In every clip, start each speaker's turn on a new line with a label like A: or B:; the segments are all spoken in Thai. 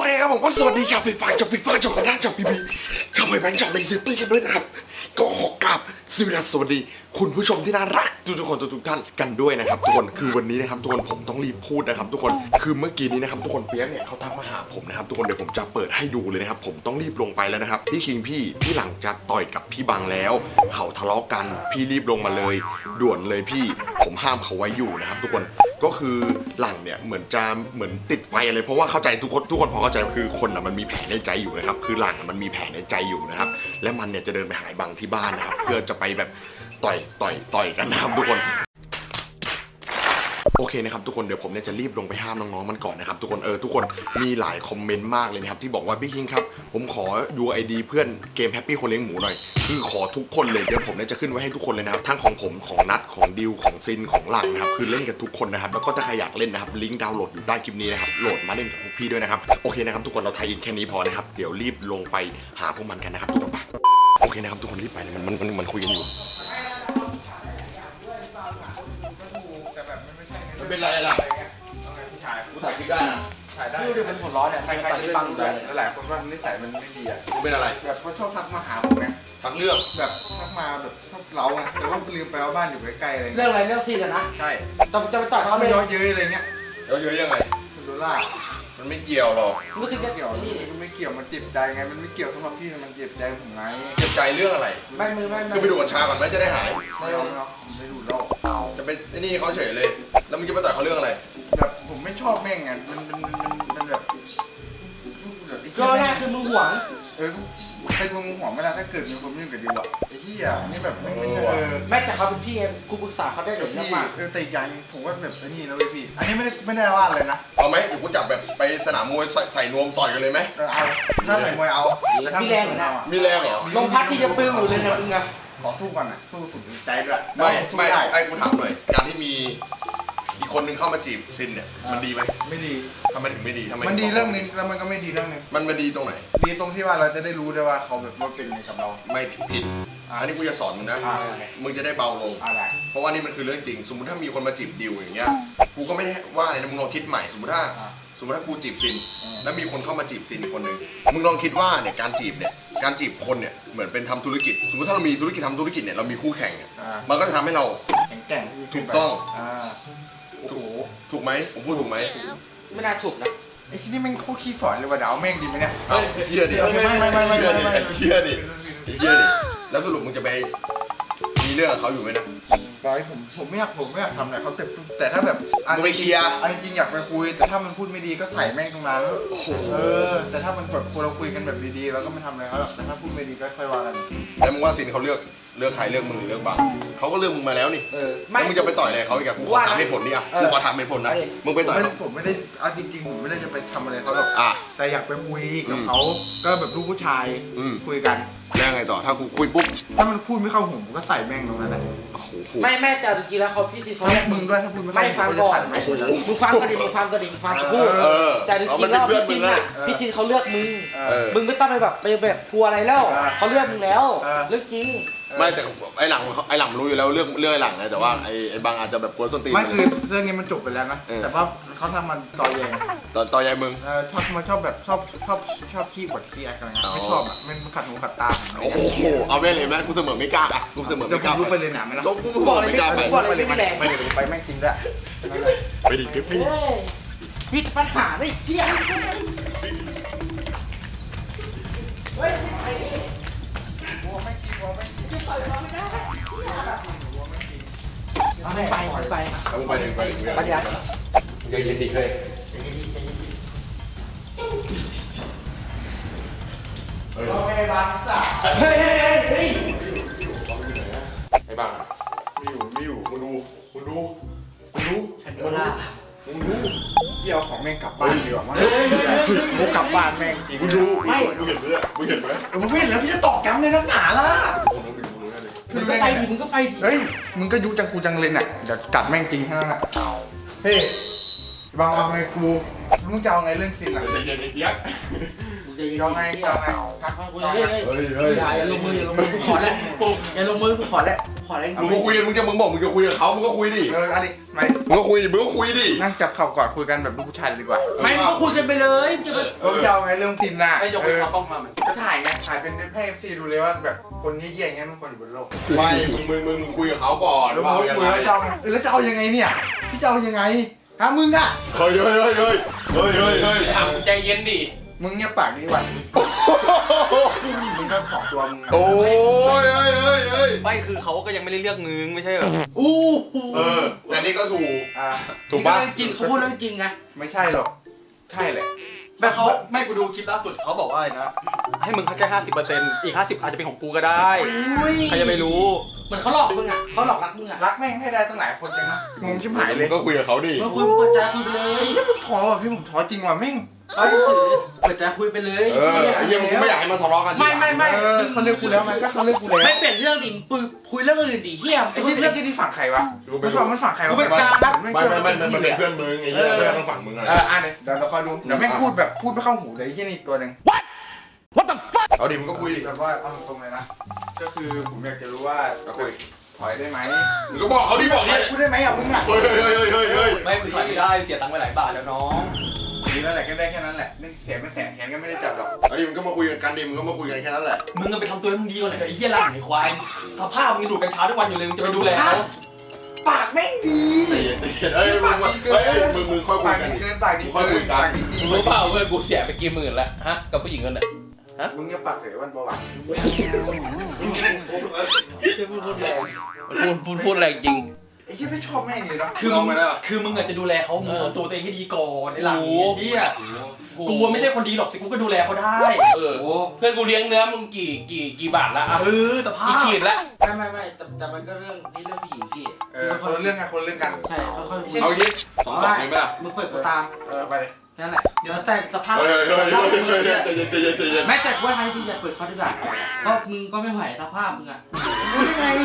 A: เคครับผมก็สวัสดีชาวฟีฟ่าชาวฟีฟ่าชาวคณะชาวพีพีชาวไมแบงค์ชาวเลเซอร์ตี้กันด้วยนะครับก็ขอกราบสวัสดีคุณผู้ชมที่น่ารักทุกคนทุกท่านกันด้วยนะครับทุกคนคือวันนี้นะครับทุกคนผมต้องรีบพูดนะครับทุกคนคือเมื่อกี้นี้นะครับทุกคนเปียกเนี่ยเขาทักมาหาผมนะครับทุกคนเดี๋ยวผมจะเปิดให้ดูเลยนะครับผมต้องรีบลงไปแล้วนะครับพี่คิงพี่หลังจะต่อยกับพี่บังแล้วเขาทะเลาะกันพี่รีบลงมาเลยด่วนเลยพี่ผมห้ามเขาไว้อยู่นะครับทุกคนก็คือหลังเนี่ยเหมือนติดไฟอะไรเพราะว่าเข้าใจทุกคนพอเข้าใจคือคนอ่ะมันมีแผลในใจอยู่นะครับคือหลังมันมีแผลในใจอยู่นะครับและมันเนี่ยจะเดินไปหาบังที่บ้านนะครับเพื่อจะไปแบบต่อยกันนะครับทุกคนโอเคนะครับทุกคนเดี๋ยวผมเนี่ยจะรีบลงไปห้ามน้องๆมันก่อนนะครับทุกคนทุกคนมีหลายคอมเมนต์มากเลยนะครับที่บอกว่าพี่คิงครับผมขอดู ID เพื่อนเกมแฮปปี้คนเลี้ยงหมูหน่อยคือขอทุกคนเลยเดี๋ยวผมเนี่ยจะขึ้นไว้ให้ทุกคนเลยนะครับทั้งของผมของนัทของดิวของซินของหลังนะครับคือเล่นกันทุกคนนะครับแล้วก็ถ้าใครอยากเล่นนะครับลิงก์ดาวน์โหลดอยู่ใต้คลิปนี้นะครับโหลดมาเล่นกับพวกพี่ด้วยนะครับโอเคนะครับทุกคนเราไทยอินแค่นี้พอนะครับเดี๋ยวรีบลงไปหาพวกมันกันนะครับทุกคนไปโอเคนะครับทุกคนรีบไปเลยมันคุยกันอยู่เป็นไรล่ะกูถ่ายคลิปได้นะ
B: ถ่ายได้ดูดิมันหัวร้อนเนี่ยใครๆที่ฟังเลยหลายคนว่านิสัยมันไม่ดีอ่ะ
A: กูเป็นอะไร
B: แบบเขาชอบทักมาหาผมไง
A: ทักเรื่อง
B: แบบทักมาแบบชอบเราไงแต่ว่าลืมไปว่าบ้านอยู่ใกล้ๆอะไร
C: เรื่องอะไรเรื่องซีนอะนะ
B: ใช่
C: จะไปต่อยเขา
B: ไม่
C: เลย
B: ย้อนเย้ยอะไรเงี้ย
A: ย้อนเย้ยยังไง
B: โดล่า
A: มันไม่เกี่ยวหรอก
C: ไม่คือ
B: เกี่ยวมันไม่เกี่ยวมันเจ็บใจไงมันไม่เกี่ยวสำหรับพี่มันเจ็บใจผมไง
A: เจ็บใจเรื่องอะไร
C: ไม่
A: คือไปดูกัญชาก่อนไหมจะได้หาย
B: ไม่เอาไม่ดูแล้ว
A: จะไปนี่เขาเฉยเลยแล้วมึงจะไปต่อยเขาเรื่องอะไร
B: แบบผมไม่ชอบแม่งไงมันแบบ
C: ก็แรกคือมึงหวง
B: เป็นมึงห่วงเวลาถ้าเกิดมีคนยุ่งกับดิวอะไอ้ที่อ่ะนี่แบบไม่ใช่
C: ไม่แต่เขาเป็นพี่กูปรึกษาเขาได้เลย
B: นะว่าแต่อย่างผมว่าแบบนี่นะเว้ยพี่อันนี้ไม่ได้ว่าเลยนะ
A: เอาไหมเดี๋ยวกูจับแบบไปสนามมวยใส่นวมต่อยกันเลยไหม
B: เอาถ้าใส่มวยเอา
C: มีแรงเหรอ
A: มีแรงเหรอ
C: ลงพัดที่จะปึ้งอยู่เลยนะมึงอะ
B: ขอสู้ก่อนนะสู้สุดใจด้วย
A: ไม่ไอ้กูถามหน่อยการที่มีอีกคนนึงเข้ามาจีบซินเนี่ยมันดีไหม
B: ไม่ดี
A: ทำไมถึงไม่ดีทำไม
B: มันดีเรื่องนึงแล้วมันก็ไม่ดีเรื่องนึง
A: มันดีตรงไหน
B: ดีตรงที่ว่าเราจะได้รู้ได้ว่าเขาแบบว่าเป็นไงกับเรา
A: ไม่ผิดอันนี้กูจะสอนมึงนะมึงจะได้เบาลงเพราะว่านี่มันคือเรื่องจริงสมมติถ้ามีคนมาจีบดิวอย่างเงี้ยกูก็ไม่ได้ว่าอะไรนะมึงลองคิดใหม่สมมติถ้ากูจีบซินแล้วมีคนเข้ามาจีบซินอีกคนนึงมึงลองคิดว่าเนี่ยการจีบคนเนี่ยเหมือนเป็นทำธุรกิจสมมติถ้าเรามีธุรกิจทำธุรกิจเนี่ยเรามีคู่แข่งเนี่ยมันก็จะทำให้เรา
B: แข่ง
A: ถูกต้อง
B: โอ้โห
A: ถูกไหมผมพูดถูกไหม
C: ไม่น่าถูกนะ
B: ไอ้ที่นี่แม่งโคตรขี้สอนเลยว่าเดาแม่งดีไหมเนี่ย
A: เชื่อดิเชื่อดิแล้วสรุปมึงจะไปมีเรื่องกับเขาอยู่ไหมนะ
B: ผมไม่อยากทำอะไรเขาแต่ถ้าแบบ
A: มึงไปเคลียร์
B: จริงๆอยากไปคุยแต่ถ้ามันพูดไม่ดีก็ใส่แม่งตรงนั้นแต่ถ้ามันแบบเราคุยกันแบบดีๆเราก็ไม่ทำอะไรเขาหรอกแต่ถ้าพูดไม่ดีก็ค่อยว่ากัน
A: แล้วมึงว่าซินเขาเลือกใครเลือกมึงหรือเลือกบังเขาก็เลือกมึงมาแล้วนี่แล้วมึงจะไปต่อยอะไรเขาอีกอะกูขอถามเหตุผลนี่อะกูขอถามเหตุผลนะมึงไปต่อย
B: ผมไม่ได้เอาจริงๆผมไม่ได้จะไปทำอะไรเขาหรอกแต่อยากไปคุยกับเขาก็แบบลูกผู้ชายคุยกัน
A: แล้วไงต่อถ้ากูคุยปุ๊บ
B: ถ้ามันพูดไม่เข้าหูผมก็ใส่แม่งตรงนั้นแหละ
C: ไม่แต่จริงๆแล้วเขาพี่ซีเขา
B: มึงด้วยถ้าพูดไม่
C: ฟังก่อนมึงฟังก็ดีมึงฟังพูดแต่จริงๆแล้วพี่ซีน่ะพี่ซีเขาเลือกมึงไม่ต้องไปแบบกลัวอะไรแล้วเขาเลือกมึงแล้วเรื่องจริง
A: ไม่แต่ไอ้หลังรู้อยู่แล้วเรื่องไอ้หลังไงแต่ว่าไอ้บางอาจจะแบบกวนส้นตีน
B: ไม่คือเรื่องนี้มันจบไปแล้วนะแต่ว่าเขาทำมันต่อแยง
A: ต่อแยงมึง
B: ชอบแบบชอบขี้กดขี้อะไรกันไม่ชอบอ่ะมันขัดหูขัดตา
A: โอ้โหเอาไม่เลยไหมกูเสมอไม่กล้าอ่ะกูเสมอไม่กล้า
B: รู้ไปเลยหนาไหมล่ะ
A: กูบอกเลยไม่กล้า
B: ไปแม่งจริงด้วย
A: ไปดิ
C: พี่ปัญหาไม่เที่ยงเฮ้ยไป
A: ปัญญาเย็นดีเลย
B: ไอ้บ้าจ้ะ
C: เฮ้ย
A: ไอ้บ้าไม่อยู่มึงดู
C: ฉันโดนล่า
B: เกี่ยวของแม่งกลับบ้านดีกว่ามั้งมุกกลับบ้านแม่งจริง
A: ดูไม่มึงเห็นไหมมึงเห็น
B: แล้วพี่จะตอกย้ำในนักหนาล่ะ
C: มึงก็ไปดิ
B: เฮ้ยมึงก็ยุจังกูจังเลยน่ะเดี๋ยวกัดแม่งจริงแค่นั้นแหละเฮ้บางเอาไงกูมึงจะเอาไงเรื่องซินอ่ะ
A: ใจเย็นไอ้เปียก
C: มึงจะยิง
B: เอาไงเอาไงทัก
C: กู
B: เอา
C: จะ
B: ไง
C: อย่าลงมือกูขอแล้วอย่าลงมือกูขอแล้วจริง
A: มึงก็คุยมึงบอกมึงจะคุยกับเขามึงก็คุยดิ
B: เอาดิไม่
A: มึงก็คุยดิ
B: นั่งจับเข่าก่อนคุยกันแบบลูกผู้ชายดีกว่า
C: ไม่มึงก็คุยกันไปเลยจะไป
B: จะเอาไงเรื่องซินน่ะ
D: ไอ้ยกเอากล้องมามัน
B: ก็ถ่ายไงถ่ายเป็นให้ FC ดูเลยว่าแบบคนเยี่ยๆอย่างเงี้ยมันควรอยู่บนโลก
A: ไม่มึงคุยกับเขาก่อน
B: แล้ว
A: ว่า
B: มึง
A: ยัง
B: คุย
A: ไง
B: แล้วจะเอายังไงเนี่ยพี่จะเอายังไงฮะมึงอ่ะ
A: เฮ้ย
D: อ่ะใจเย็นดิ
B: มึงเงียบปากดีกว่ามึงก็สองตัวมึงอะ
A: โอ้ย
D: ไม่คือเขาก็ยังไม่ได้เลือกมึงไม่ใช่เหรอ
C: อู้
A: แต่นี่ก็ถูก
B: อ่า
A: ถูกป่ะ
C: จริงเขาพูดเรื่องจริงไง
B: ไม่ใช่หรอกใช่แหละ
D: แบบเขาไม่กูดูคลิปล่าสุดเขาบอกว่าอะไรนะให้มึงแค่50%อีก50อาจจะเป็นของกูก็ได้ใครจะไปรู้
C: เหมือนเขาหลอกมึงอ่ะเขาหลอกรักมึงอ่ะ
B: รักแม่งให้ได้ตั้งหลายคนจังนะงงชิบหายเลย
A: ก็คุยกับเขาดิ
C: มึงคุยมึงเปิดใจคุยไปเลย
B: ท้อว่ะพี่ผมท้อจริงว่ะแม่ง
C: เขาจะสื่อเปิดใจคุยไปเลย
A: ไอ้เหี้ยมึงไม่อยากให้มาทะเลาะกัน
C: ไม่
B: เขาเลือกกูแล้วมันก็เขาเลือกกูแล้ว
C: ไม่เปลี่ยนเรื่องดิคุยเรื่องอื่นดิเฮีย
B: ไอ้ที่เลือกที่ฝั่งใครวะมันฝั่งใครวะ
C: กูเป็นกลางครับ
A: ไม่มันเป็นเพื่อนมึงไอ้เหี้ยเพื่อนต้องฝั่งมึงอะไร
B: อ่ะเดี๋ยวเราคอยดูเดี๋ยวแม่งพูดแบบพูดไม่เข้าหูเลยที่นี่ตัวหนึ่ง
A: เอาดิมึงก็คุยดิ
B: แบบว่าเอาตรงๆเลยนะก็คือผมอยากจะรู้ว่า
A: ก็คุย
B: ถอยได้ไหม
A: มึงก็บอกเขาดิบอกดิ
B: พูดได้ไหมอ่ะมึงอ่ะ
A: เฮ้ย
D: ไม่มึงถอยไม่ได้เสียตังค์ไปหลายบาทแล้วน้อง
B: ดีแล้วแหละก็ได้แค่นั้นแหละนี่เสียไม่แสนแขนก็ไม่ได้จับหรอก
A: เอาดิมึงก็มาคุยกันดิมึงก็มาคุยกันแค่นั้นแหละ
D: มึงก็ไปทำตัวให้มึงดีก่อนเลยไอ้เหี้ยหลังไอ้ควายสภาพมึงดูดกัญชาทุกวันอยู่เลยมึงจะไปดูแลเขา
B: ปากแม่งดี
A: เฮ้ยมึงค่อยคุ
B: ปาย ก
A: กัน
B: ดี
A: ดิ
B: เกินปากดีเกินปากดีจริง
E: มึงรู้เปล่าเพื่อนกูเสียไปกี่หมื่นแล้วฮะกับผู้หญิงคนน่ะ
B: มึงอย่าปากเลยวันเบาหวาน
E: พูดอะไรจริง
B: ไอ้ที่ไม่ชอบแม่งเลยเนาะ
D: คือมึงอาจจะดูแลเขามึงทำตัวเองให้ดีก่อนไอ้หลังเหี้ยกูไม่ใช่คนดีหรอกสิกูก็ดูแลเขาได้
E: เออเพื่อนกูเลี้ยงเนื้อมึงกี่บาทละอ่ะ
D: สภาพ
E: กี่ขีดละ
C: ไม่แต่มันก็เรื่องนี้เรื่องผู้หญิงพี่
B: คนละเรื่องกันคนละเรื่องกัน
C: ใช่ค่อยๆ
A: เอายิ2-2เลยไหมล่ะ
C: มึงเปิดกูตาม
B: ไปเลย
C: นั่นแหละเดี๋ยวแต่งสภาพ
A: เฮ้ยใจเย็น
C: แม้แต่ว่าใครที่อยากเปิดเขาดีกว่าก็มึงก็ไม่ไหวสภาพมึงอ่ะ
B: รู้ได้ไง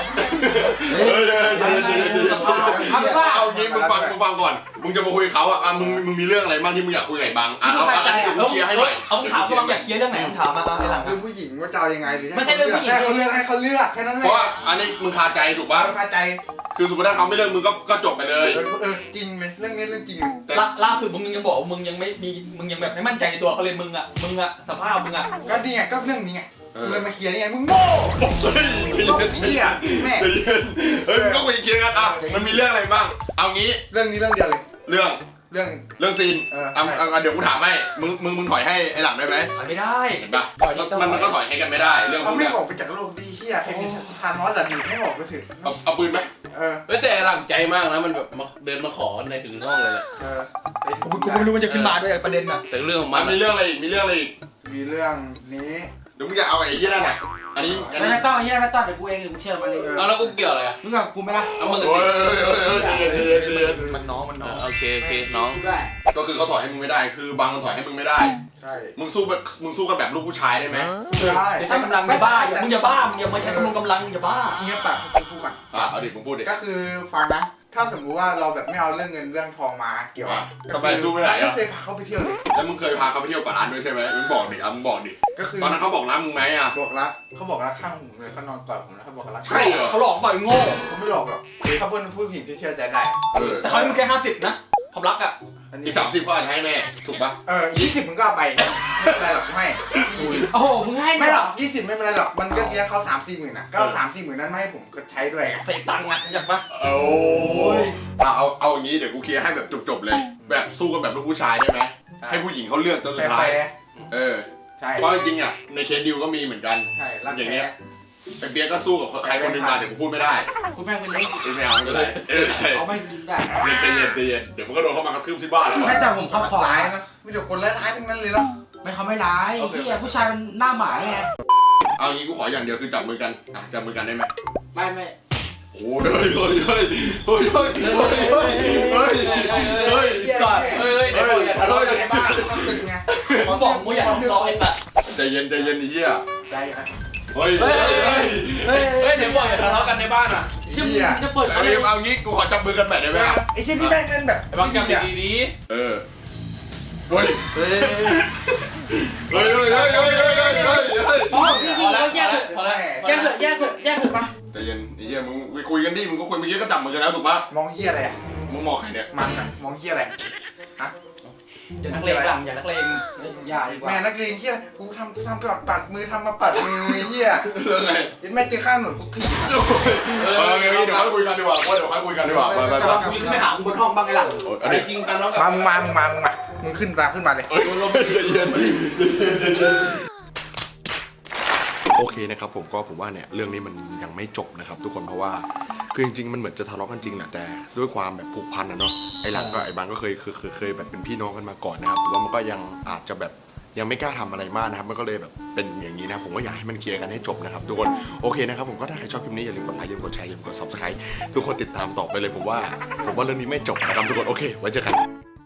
A: เอางี้มึงฟังก่อนมึงจะมาคุยเขาอ่ะมึงมีเรื่องอะไรบ้างที่มึงอยากคุยกับบังเอาเคลียร์ให้หน่อย
D: เอาถามว่าอยากเคลียร์เรื่องไหนมึงถามมาไอ้หลัง
B: เรื่องผู้หญิงว่าจะเอายังไงหรือ
C: ไม่ใช่เรื่องผู้หญิง
B: ให้เขาเลือกให้เขาเลือกแค่นั้นแห
A: เพ
B: ละ
A: ราะว่าอันนี้มึงคาใจถูกป่ะ
B: เข้าใจ
A: คือสมมติถ้าเขาไม่เลิกมึงก็จบไปเลย
B: จริงไหมเรื่องนี้เรื่องจริงไหม
D: ล่าสุดมึงยังบอกว่ามึงยังแบบไม่มั่นใจในตัวเขาเลยมึงอ่ะสภาพมึงอ่ะ
B: ก็นี่ไงก็เรื่องนี้ไงเลยมาเคลียร์นี่ไงมึงโง่ก็เหี้ยแม่
A: เฮ้ยมึงก็คุยเคลียร์กันอ่ะมันมีเรื่องอะไรบ้างเอางี้
B: เรื่องนี้เรื่องเดียวเลย
A: เรื่อง
B: เรื่อง
A: ซีนเดี๋ยวกูถามให้มึงถอยให้ไอ้หลังได้ไหม
D: ถอยไม่ได้
A: เห็นป่ะมันก็ถอยให้กันไม่ได้เรื่องพ
B: เขา
A: วก
B: ไม่
A: เนี้ย
B: ออกไปจากโลกดีเหี้ยใครมีทานอสแต่หนีไม่ออกก็ถึง
A: เอาปืนไหม
E: เฮ้ยแต่หลังใจมากนะมันแบบเดินมาขอในถึงห้องเลยแหละ
D: กูไม่รู้มันจะขึ้นมาด้วยประเด็นอ่ะ
E: แต่เรื่องของ
A: มั
E: มัน น
A: มีเรื่องอะไรอีก
B: มีเรื่องนี้
A: เดี๋ยวมึงจะเอาไอ้ยี่นั่นน่ะอันนี้
C: ไม่ต้องเฮียไม่ต้องเดี๋ยวกูเองกูเชื่อมันเลย
E: เอาแล้วกูเกี่ยวอะไรอ่ะ
C: มึงกับกูไม่ละ
E: เอามึง
A: โอ้
E: สิ
D: มันน้อง
E: โอเคน้อง
C: ได้
A: ก็คือเขาถอยให้มึงไม่ได้ คือบางมันถอยให้มึงไม่ได้
B: ใช่
A: มึงสู้กันแบบลูกผู้ชายได้ไหม
B: ได้
D: อย่าใช้กำลังอย่าบ้ามึงอย่าบ้ามึงอย่ามาใช้กำลังอย่าบ้า
B: เงี้ยปากพูดกัน
A: เอาดิมึงพูดดิ
B: ก็คือฟังนะ ถ้าสมมติว่าเราแบบไม่เอาเรื่องเงินเรื่องทองมาเกี่ยว
A: ทำไมสู้ไม่ได้
B: ไม่
A: อ่ะ
B: เคยพาเขาไปเที่ยวเลย
A: แล้วมึงเคยพาเขาไปเที่ยวก่อนร้านด้วยใช่ไหมมึงบอกดิมึงบอกดิ
B: ก็คือ
A: ตอนนั้นเขาบอกร้านมึงไหมอ่ะ
B: บอกรักเขาบอกรักข้างหูเลยเขานอนกอดผมแล้วเขาบอกรัก
A: ใช่เหรอ
D: เขาหลอกต่อยโง่
B: เขาไม่หลอกหรอกเขาเป็นผู้หญิงที่เชื่อใจได้
D: แต่เขาให้มึงแค่50นะความรักอ่ะ
B: อัน
A: อี
B: นี้
A: ก30ก็อาจจะให้แม่ถูกปะ
B: 20มึงก็เอาไปไม่เป็นไรหรอกไม่
C: โอ้โหมึงให้
B: ไม่หรอก20ไม่เป็นไรหรอกมันก็เลี้ยงเขา3-4หมื่นนะก็เอา3-4หมื่นนั้นมาให้ผมก็ใช้ด้วย
D: เสกตังค์อ่ะอยากปะ
A: โอ้ยเอาอย่างนี้เดี๋ยวกูเคลียร์ให้แบบจบเลย แบบสู้กันแบบลูกผู้ชายได้ไหมให้ผู้หญิงเขาเลือกจนสุดท้าย
B: ใช่
A: เพราะจริงๆอ่ะในเคสดิวก็มีเหมือนกัน
B: ใช่รัก
A: อย่าง
B: แท้
A: เงี้ยไอ้เปียกก็สู้กับใครคนหนึงมาแต่กูพูดไม่ได้
C: กูแม่งเป็นเล็ก
A: ไม่เอาไม่เป็นไร
C: เอาไม่จริงได้
A: ใจเย็นเดี๋ยวมันก็โดนเข้ามากระทืบที่บ้านแล้ว
C: ไม่แต่ผมเขาขอ
B: ร้ายนะไม่เดี๋ยวคนร้ายทั้งนั้นเลยเนาะ
C: ไม่เขาไม่ร้ายที่ผู้ชายมันหน้าหมาไง
A: เอางี้กูขออย่างเดียวคือจับมือกันจับมือกันได้ไหม
C: ไม่
A: โอ้ยสัตว์
E: เฮ้ยเดี๋ยวบอกอย่าทะเลาะกันในบ้าน
D: เขาบอกมึงอย่าทำร้องไอ้สัตว์
A: ใจเย็นไอ้เหี้ย
B: ใจอ่ะ
A: เฮ้ย
E: เฮ้ยเดี๋ยวบอกอย่าทะเลาะกันในบ้านอ่ะ
C: ยเชื่อมึงจะเปิด
A: เอางี้กูขอจับมือกันแบบได้ไหม
B: ไอ้เช่นนี่ได้เงินแบบ
E: ไอ้บางจับดี
A: เออเฮ้ย
D: เฮ้ย
A: เฮ้ยเฮ้ย
C: อ๋อพี่ก็แยกเถอะ
E: พอแล้ว
C: แยกเถอะแยกเถอะแยกเถอะปะ
A: ใจเย็นไอ้เหี้ยมึงไปคุยกันดิมึงก็คุยเมื่อกี้ก็จับมือกันแล้วถูกปะ
B: มองเฮียอะไรอ่ะ
A: มึงมองใครเนี่ย
B: มันอะมองเฮียอะไรฮะ
D: อย่านักเลงดังอย่านักเลง
C: อย่าดีกว่า
B: แม่นักเรียนเฮียอะไรกูทำปัดมือทำมาปัดมือเฮีย
A: เรื่องไง
B: ยันแม่เจอข้างหนุนกูถีบ
A: เดี๋ยวค่อยคุยกันดีกว่าเดี๋ยวค่อยคุยกันดีกว่าไป
D: แต่ว่ากูจะขึ้นไปหามึงบนห้องบ้างไอ้หลัง
E: ๆอะไรจริงกันน้องกับ
B: มึงขึ้นมาเลย
A: ใจเย็นโอเคนะครับผมว่าเนี่ยเรื่องนี้มันยังไม่จบนะครับทุกคนเพราะว่าคือจริงๆมันเหมือนจะทะเลาะกันจริงแหละแต่ด้วยความแบบผูกพันนะเนาะไอ้หลังก็ไอ้บางก็เคยแบบเป็นพี่น้องกันมาก่อนนะครับผมว่ามันก็ยังอาจจะแบบยังไม่กล้าทำอะไรมากนะครับมันก็เลยแบบเป็นอย่างนี้นะผมก็อยากให้มันเคลียร์กันให้จบนะครับทุกคนโอเคนะครับผมก็ถ้าใครชอบคลิปนี้อย่าลืมกดไลค์อย่าลืมกดแชร์อย่าลืมกด subscribe ทุกคนติดตามต่อไปเลยผมว่าเรื่องนี้ไม่จบนะครับทุกคนโอเคไว้เจอกัน